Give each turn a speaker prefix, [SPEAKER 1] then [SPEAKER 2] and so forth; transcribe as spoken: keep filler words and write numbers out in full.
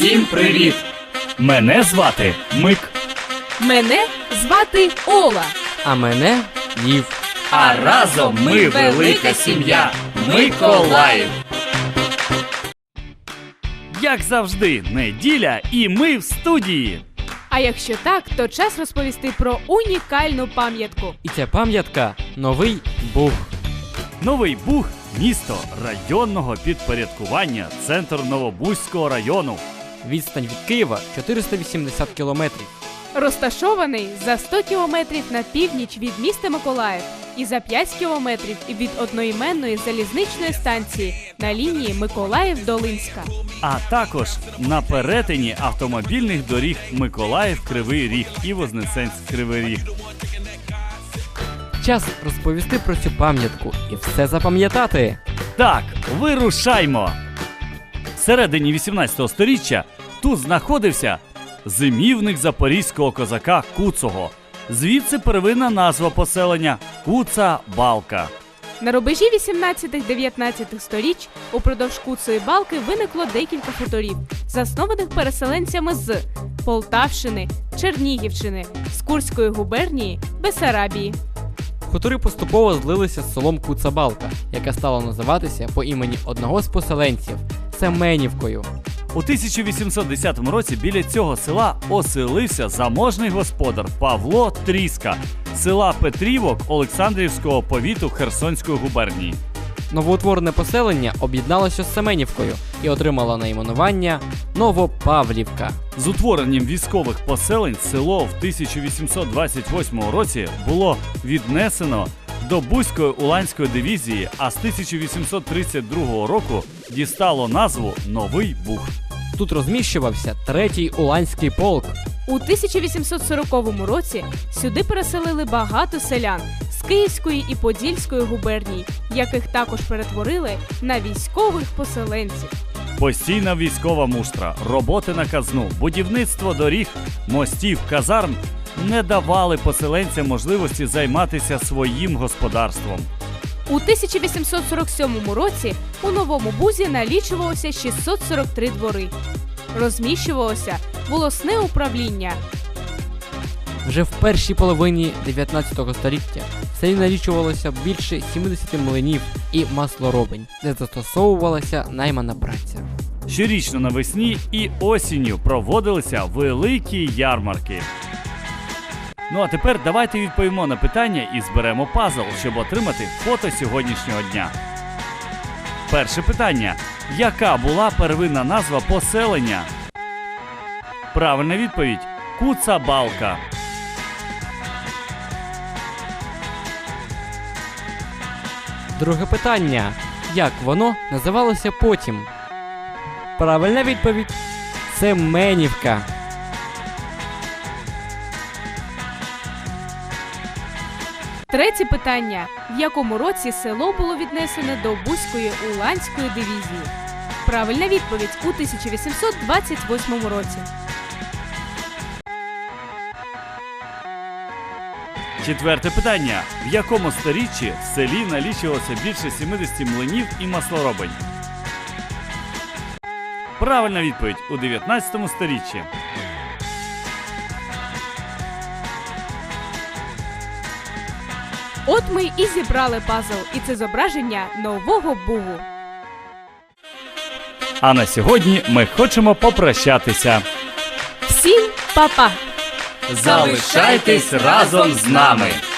[SPEAKER 1] Всім привіт! Мене звати Мик.
[SPEAKER 2] Мене звати Ола.
[SPEAKER 3] А мене Лів.
[SPEAKER 1] А разом ми велика сім'я Миколаїв. Як завжди, неділя і ми в студії.
[SPEAKER 2] А якщо так, то час розповісти про унікальну пам'ятку.
[SPEAKER 3] І ця пам'ятка – Новий Буг.
[SPEAKER 1] Новий Буг – місто районного підпорядкування, центр Новобузького району.
[SPEAKER 3] Відстань від Києва – чотириста вісімдесят кілометрів.
[SPEAKER 2] Розташований за сто кілометрів на північ від міста Миколаїв і за п'ять кілометрів від одноіменної залізничної станції на лінії Миколаїв-Долинська.
[SPEAKER 1] А також на перетині автомобільних доріг Миколаїв-Кривий Ріг і Вознесенськ-Кривий Ріг.
[SPEAKER 3] Час розповісти про цю пам'ятку і все запам'ятати.
[SPEAKER 1] Так, вирушаймо! Всередині вісімнадцятого сторіччя тут знаходився зимівник запорізького козака Куцого. Звідси первинна назва поселення – Куца-Балка.
[SPEAKER 2] На рубежі вісімнадцятого-дев'ятнадцятого сторіч упродовж Куцої Балки виникло декілька хуторів, заснованих переселенцями з Полтавщини, Чернігівщини, з Курської губернії, Бессарабії.
[SPEAKER 3] Хутори поступово злилися з селом Куца-Балка, яке стало називатися по імені одного з поселенців – Семенівкою.
[SPEAKER 1] У тисяча вісімсот десятому році біля цього села оселився заможний господар Павло Тріска з села Петрівок Олександрівського повіту Херсонської губернії.
[SPEAKER 3] Новоутворене поселення об'єдналося з Семенівкою і отримало найменування Новопавлівка.
[SPEAKER 1] З утворенням військових поселень село в тисяча вісімсот двадцять восьмому році було віднесено до Бузької Уланської дивізії, а з тисяча вісімсот тридцять другого року дістало назву Новий Буг.
[SPEAKER 3] Тут розміщувався третій Уланський полк.
[SPEAKER 2] У тисяча вісімсот сороковому році сюди переселили багато селян з Київської і Подільської губерній, яких також перетворили на військових поселенців.
[SPEAKER 1] Постійна військова муштра, роботи на казну, будівництво доріг, мостів, казарм не давали поселенцям можливості займатися своїм господарством.
[SPEAKER 2] У тисяча вісімсот сорок сьомому році у Новому Бузі налічувалося шістсот сорок три двори. Розміщувалося волосне управління.
[SPEAKER 3] Вже в першій половині дев'ятнадцятого століття в селі налічувалося більше сімдесят млинів і маслоробень, де застосовувалася наймана праця.
[SPEAKER 1] Щорічно навесні і осінню проводилися великі ярмарки. Ну а тепер давайте відповімо на питання і зберемо пазл, щоб отримати фото сьогоднішнього дня. Перше питання. Яка була первинна назва поселення? Правильна відповідь – Куца-Балка.
[SPEAKER 3] Друге питання. Як воно називалося потім? Правильна відповідь – Семенівка.
[SPEAKER 2] Третє питання. В якому році село було віднесене до Бузької Уланської дивізії? Правильна відповідь – у тисяча вісімсот двадцять восьмому році.
[SPEAKER 1] Четверте питання. В якому сторіччі в селі налічувалося більше сімдесят млинів і маслоробень? Правильна відповідь – у дев'ятнадцятому сторіччі.
[SPEAKER 2] От ми і зібрали пазл, і це зображення Нового Бугу.
[SPEAKER 1] А на сьогодні ми хочемо попрощатися.
[SPEAKER 2] Всім па-па!
[SPEAKER 1] Залишайтесь разом з нами!